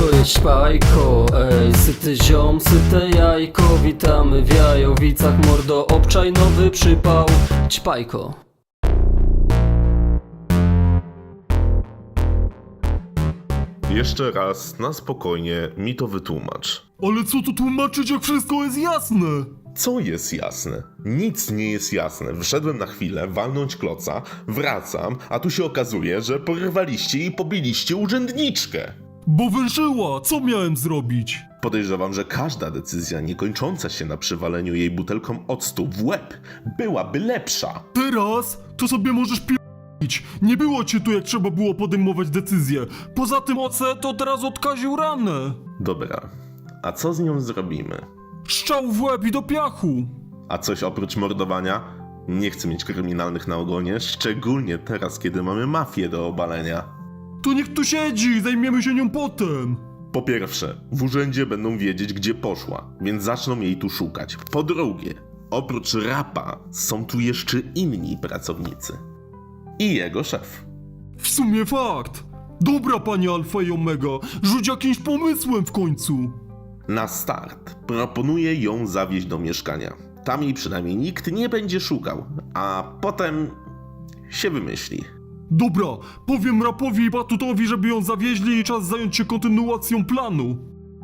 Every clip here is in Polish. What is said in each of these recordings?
To jest Śpajko, ej, syty ziom, syte jajko. Witamy w Jajowicach, mordo, obczaj nowy przypał. Ćpajko. Jeszcze raz, na spokojnie, mi to wytłumacz. Ale co tu tłumaczyć, jak wszystko jest jasne? Co jest jasne? Nic nie jest jasne. Wszedłem na chwilę, walnąć kloca, wracam, a tu się okazuje, że porwaliście i pobiliście urzędniczkę. Bo wężyła, co miałem zrobić? Podejrzewam, że każda decyzja niekończąca się na przywaleniu jej butelką octu w łeb byłaby lepsza. Teraz to sobie możesz p***ić. Nie było cię tu, jak trzeba było podejmować decyzję. Poza tym OC to teraz odkaził ranę. Dobra, a co z nią zrobimy? Szczał w łeb i do piachu. A coś oprócz mordowania? Nie chcę mieć kryminalnych na ogonie, szczególnie teraz, kiedy mamy mafię do obalenia. To niech tu siedzi, zajmiemy się nią potem. Po pierwsze, w urzędzie będą wiedzieć, gdzie poszła, więc zaczną jej tu szukać. Po drugie, oprócz Rapa są tu jeszcze inni pracownicy. I jego szef. W sumie fakt. Dobra, panie Alfa i Omega, rzuć jakimś pomysłem w końcu. Na start proponuję ją zawieźć do mieszkania. Tam jej przynajmniej nikt nie będzie szukał, a potem się wymyśli. Dobra, powiem Rapowi i Batutowi, żeby ją zawieźli i czas zająć się kontynuacją planu.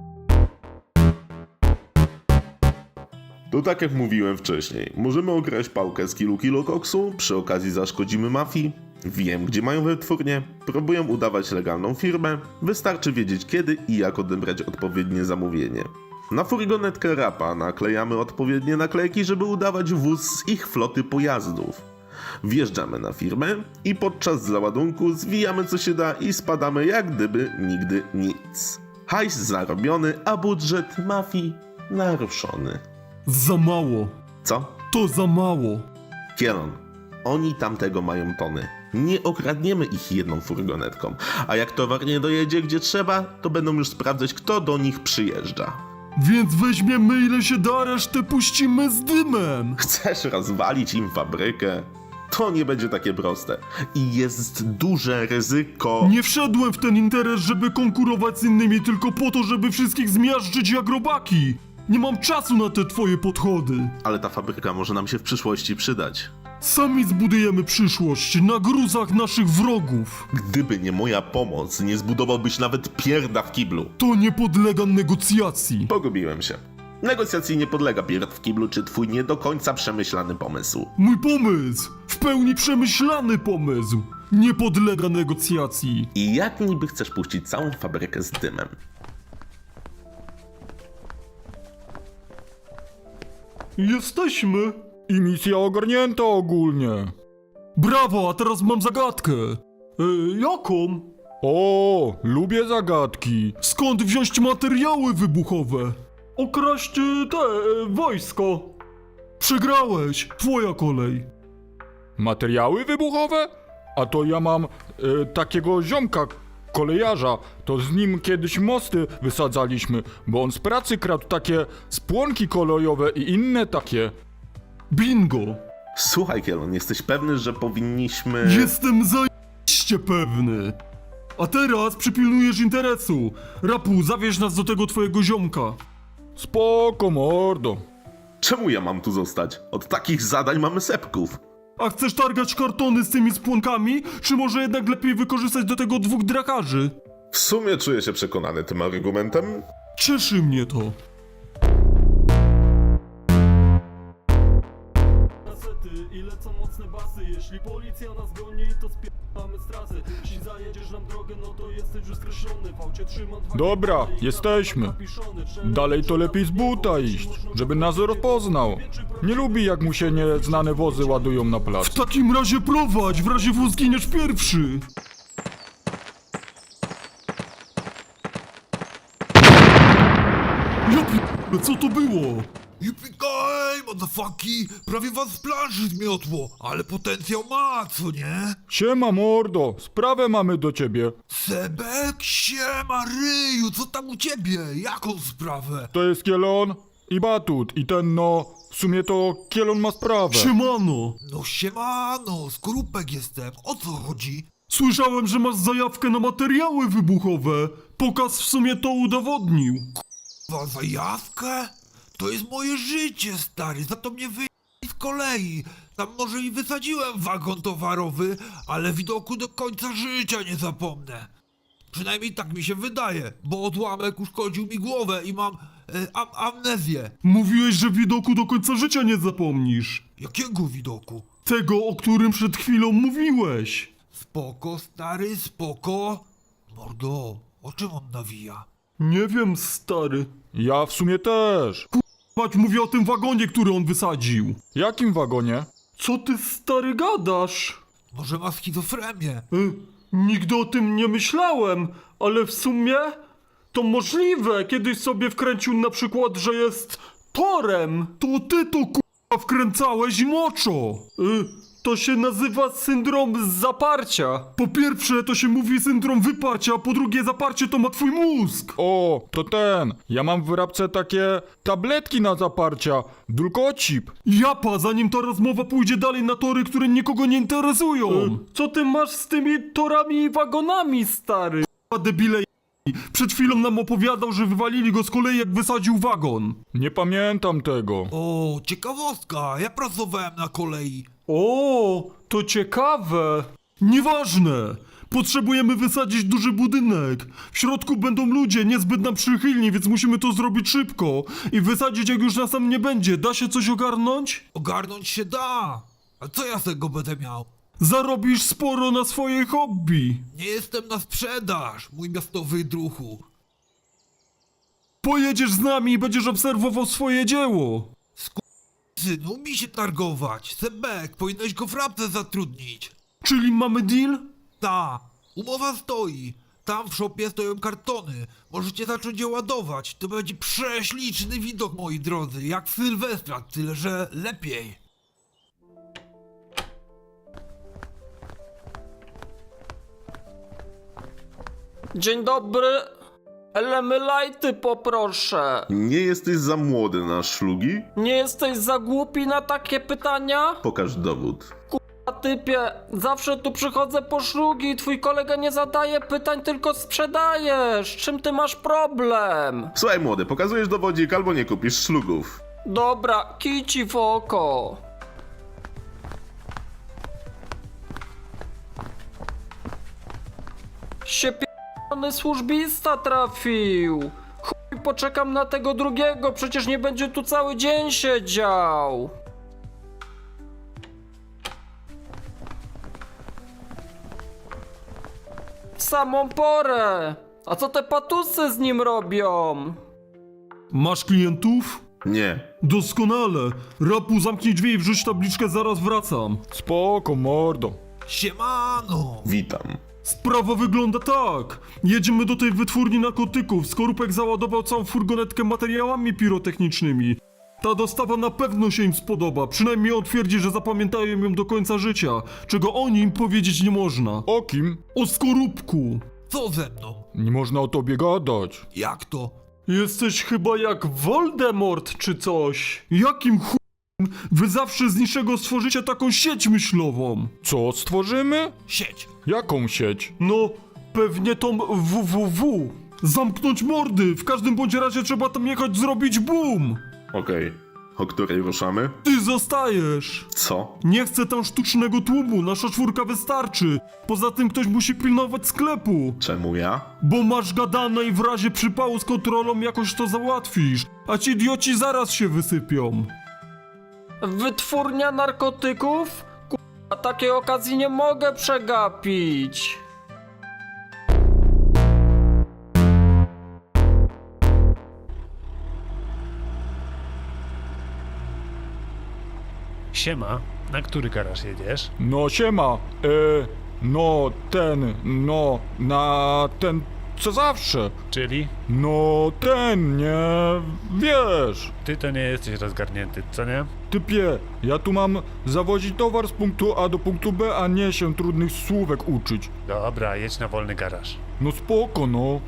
To tak jak mówiłem wcześniej, możemy okraść pałkę z kilo koksu, przy okazji zaszkodzimy mafii. Wiem, gdzie mają wytwórnię, próbują udawać legalną firmę, wystarczy wiedzieć kiedy i jak odebrać odpowiednie zamówienie. Na furgonetkę Rapa naklejamy odpowiednie naklejki, żeby udawać wóz z ich floty pojazdów. Wjeżdżamy na firmę i podczas załadunku zwijamy co się da i spadamy jak gdyby nigdy nic. Hajs zarobiony, a budżet mafii naruszony. Za mało. Co? To za mało. Kielon, oni tamtego mają tony. Nie okradniemy ich jedną furgonetką, a jak towar nie dojedzie gdzie trzeba, to będą już sprawdzać, kto do nich przyjeżdża. Więc weźmiemy ile się da, resztę puścimy z dymem. Chcesz rozwalić im fabrykę? To nie będzie takie proste. I jest duże ryzyko. Nie wszedłem w ten interes, żeby konkurować z innymi, tylko po to, żeby wszystkich zmiażdżyć jak robaki. Nie mam czasu na te twoje podchody. Ale ta fabryka może nam się w przyszłości przydać. Sami zbudujemy przyszłość na gruzach naszych wrogów. Gdyby nie moja pomoc, nie zbudowałbyś nawet pierda w kiblu. To nie podlega negocjacji. Pogubiłem się. Negocjacji nie podlega pierd w kiblu czy twój nie do końca przemyślany pomysł. Mój pomysł! W pełni przemyślany pomysł! Nie podlega negocjacji. I jak niby chcesz puścić całą fabrykę z dymem? Jesteśmy. I misja ogarnięta ogólnie. Brawo, a teraz mam zagadkę. Jaką? O, lubię zagadki. Skąd wziąć materiały wybuchowe? Okraść wojsko. Przegrałeś, twoja kolej. Materiały wybuchowe? A to ja mam takiego ziomka, kolejarza. To z nim kiedyś mosty wysadzaliśmy, bo on z pracy kradł takie spłonki kolejowe i inne takie. Bingo. Słuchaj, Kielon, jesteś pewny, że powinniśmy... Jestem zajebiście pewny. A teraz przypilnujesz interesu. Rapu, zawieź nas do tego twojego ziomka. Spoko, mordo. Czemu ja mam tu zostać? Od takich zadań mamy sepków. A chcesz targać kartony z tymi spłonkami? Czy może jednak lepiej wykorzystać do tego dwóch drakarzy? W sumie czuję się przekonany tym argumentem. Cieszy mnie to. I lecą mocne basy. Jeśli policja nas goni, to spierdamy z trasy. Jeśli zajedziesz nam drogę, no to jesteś już skreślony. Fałcie trzyma dwa Dobra, kawale i jesteśmy. kapiszony. Dalej to lepiej z buta iść, żeby nas rozpoznał. Nie lubi, jak mu się nieznane wozy ładują na plac. W takim razie prowadź, w razie w zginiesz pierwszy. Ja p***, co to było? Yippee-ki, motherfucki! Prawie was z planszy zmiotło, ale potencjał ma, co nie? Siema, mordo, sprawę mamy do ciebie. Sebek, siema, ryju, co tam u ciebie? Jaką sprawę? To jest Kielon i Batut i ten no, w sumie to Kielon ma sprawę. Siemano. No siemano, skorupek jestem, o co chodzi? Słyszałem, że masz zajawkę na materiały wybuchowe. Pokaz w sumie to udowodnił. Za zajawkę? To jest moje życie, stary, za to mnie wyjęli z kolei. Tam może i wysadziłem wagon towarowy, ale widoku do końca życia nie zapomnę. Przynajmniej tak mi się wydaje, bo odłamek uszkodził mi głowę i mam amnezję. Mówiłeś, że widoku do końca życia nie zapomnisz. Jakiego widoku? Tego, o którym przed chwilą mówiłeś. Spoko, stary, spoko. Mordo, o czym on nawija? Nie wiem, stary. Ja w sumie też. Mać, mówię o tym wagonie, który on wysadził. Jakim wagonie? Co ty, stary, gadasz? Może ma schizofrenię? Nigdy o tym nie myślałem, ale w sumie to możliwe. Kiedyś sobie wkręcił na przykład, że jest torem. To ty to k***a wkręcałeś moczo. To się nazywa syndrom zaparcia. Po pierwsze to się mówi syndrom wyparcia, a po drugie zaparcie to ma twój mózg. O, to ten. Ja mam w wyrabce takie tabletki na zaparcia. Dulkocip. Japa, zanim ta rozmowa pójdzie dalej na tory, które nikogo nie interesują. Co ty masz z tymi torami i wagonami, stary? A debile. Przed chwilą nam opowiadał, że wywalili go z kolei, jak wysadził wagon. Nie pamiętam tego. O, ciekawostka, ja pracowałem na kolei. O, to ciekawe. Nieważne. Potrzebujemy wysadzić duży budynek. W środku będą ludzie niezbyt nam przychylni, więc musimy to zrobić szybko. I wysadzić, jak już nas tam nie będzie. Da się coś ogarnąć? Ogarnąć się da. A co ja z tego będę miał? Zarobisz sporo na swoje hobby. Nie jestem na sprzedaż, mój miastowy druhu. Pojedziesz z nami i będziesz obserwował swoje dzieło. Synu, mi się targować. Sebek, powinieneś go w rabce zatrudnić. Czyli mamy deal? Ta, umowa stoi. Tam w szopie stoją kartony. Możecie zacząć je ładować. To będzie prześliczny widok, moi drodzy. Jak w Sylwestra, tyle że lepiej. Dzień dobry. Elemylajty poproszę. Nie jesteś za młody na szlugi? Nie jesteś za głupi na takie pytania? Pokaż dowód. A typie, zawsze tu przychodzę po szlugi, twój kolega nie zadaje pytań, tylko sprzedajesz. Czym ty masz problem? Słuchaj młody, pokazujesz dowodzik albo nie kupisz szlugów. Dobra, kij ci w oko. Się p***ny służbista trafił. Chuj, poczekam na tego drugiego, przecież nie będzie tu cały dzień siedział. W samą porę. A co te patusy z nim robią? Masz klientów? Nie. Doskonale. Rapu, zamknij drzwi i wrzuć tabliczkę, zaraz wracam. Spoko, mordo. Siemano! Witam. Sprawa wygląda tak. Jedziemy do tej wytwórni narkotyków. Skorupek załadował całą furgonetkę materiałami pirotechnicznymi. Ta dostawa na pewno się im spodoba. Przynajmniej on twierdzi, że zapamiętają ją do końca życia. Czego o nim powiedzieć nie można. O kim? O Skorupku. Co ze mną? Nie można o tobie gadać. Jak to? Jesteś chyba jak Voldemort czy coś. Jakim ch**em wy zawsze z niczego stworzycie taką sieć myślową? Co stworzymy? Sieć! Jaką sieć? No, pewnie tą www. Zamknąć mordy. W każdym bądź razie trzeba tam jechać zrobić boom. Okej. O której ruszamy? Ty zostajesz. Co? Nie chcę tam sztucznego tłumu, nasza czwórka wystarczy. Poza tym ktoś musi pilnować sklepu. Czemu ja? Bo masz gadane i w razie przypału z kontrolą jakoś to załatwisz. A ci idioci zaraz się wysypią. Wytwórnia narkotyków? K***a, takiej okazji nie mogę przegapić. Siema, na który garaż jedziesz? No siema. No ten, no na ten co zawsze. Czyli No ten, nie wiesz. ty to nie jesteś rozgarnięty, co nie? Typie, ja tu mam zawozić towar z punktu A do punktu B, a nie się trudnych słówek uczyć. Dobra, jedź na wolny garaż. No spoko, no.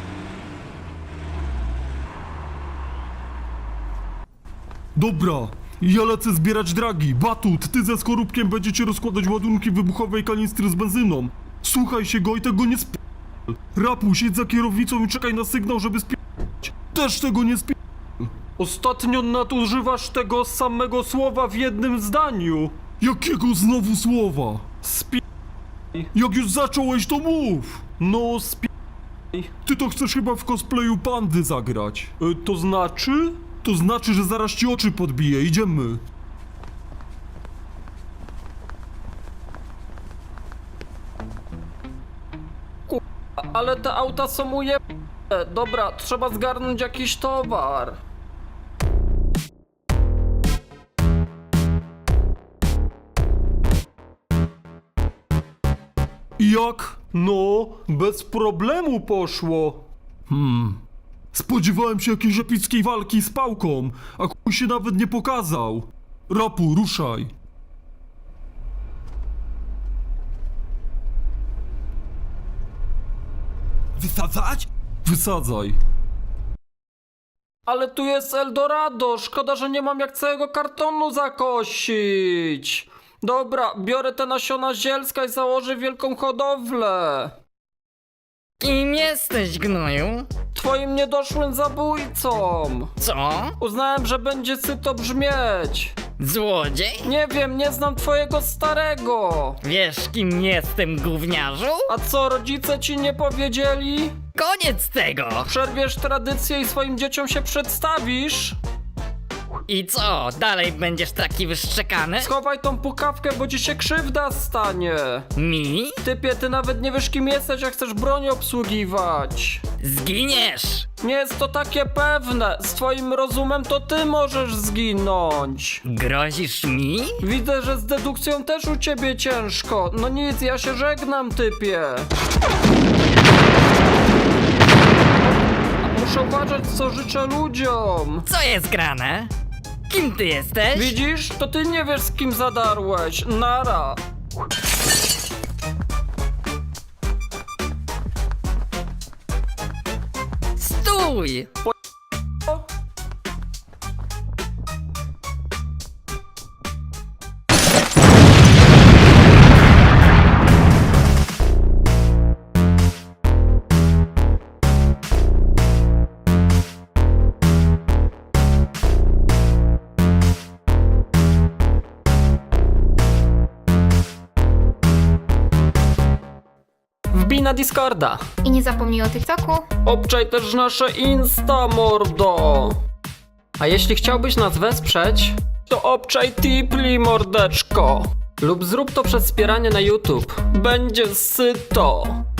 Dobra, Ja lecę zbierać dragi. Batut, ty ze Skorupkiem będziecie rozkładać ładunki wybuchowej kanistry z benzyną. Słuchaj się go i tego nie sp... Rapu, siedź za kierownicą i czekaj na sygnał, żeby sp... Też tego nie sp... Ostatnio nadużywasz tego samego słowa w jednym zdaniu. Jakiego znowu słowa? Sp... Jak już zacząłeś, to mów. No sp... Ty to chcesz chyba w cosplayu pandy zagrać. To znaczy? To znaczy, że zaraz ci oczy podbiję. Idziemy. Ale te auta są ujebane. Dobra, trzeba zgarnąć jakiś towar. I jak? No, bez problemu poszło. Spodziewałem się jakiejś epickiej walki z pałką, a chuj się nawet nie pokazał. Rapu, ruszaj. Wysadzać? Wysadzaj. Ale tu jest Eldorado, szkoda, że nie mam jak całego kartonu zakosić. Dobra, biorę te nasiona zielska i założę wielką hodowlę. Kim jesteś, gnoju? Twoim niedoszłym zabójcą. Co? Uznałem, że będzie syto brzmieć. Złodziej? Nie wiem, nie znam twojego starego. Wiesz, kim jestem, gówniarzu? A co, rodzice ci nie powiedzieli? Koniec tego! Przerwiesz tradycję i swoim dzieciom się przedstawisz? I co, dalej będziesz taki wyszczekany? Schowaj tą pukawkę, bo ci się krzywda stanie. Mi? Typie, ty nawet nie wiesz kim jesteś, jak chcesz broń obsługiwać. Zginiesz! Nie jest to takie pewne. Z twoim rozumem to ty możesz zginąć. Grozisz mi? Widzę, że z dedukcją też u ciebie ciężko. No nic, ja się żegnam, typie. Muszę uważać, co życzę ludziom. Co jest grane? Kim ty jesteś? Widzisz? To ty nie wiesz, z kim zadarłeś. Nara. Stój! O, Wbij na Discorda. I nie zapomnij o TikToku. Obczaj też nasze Insta, mordo. A jeśli chciałbyś nas wesprzeć, to obczaj Tipli, mordeczko. Lub zrób to przez wspieranie na YouTube. Będzie syto.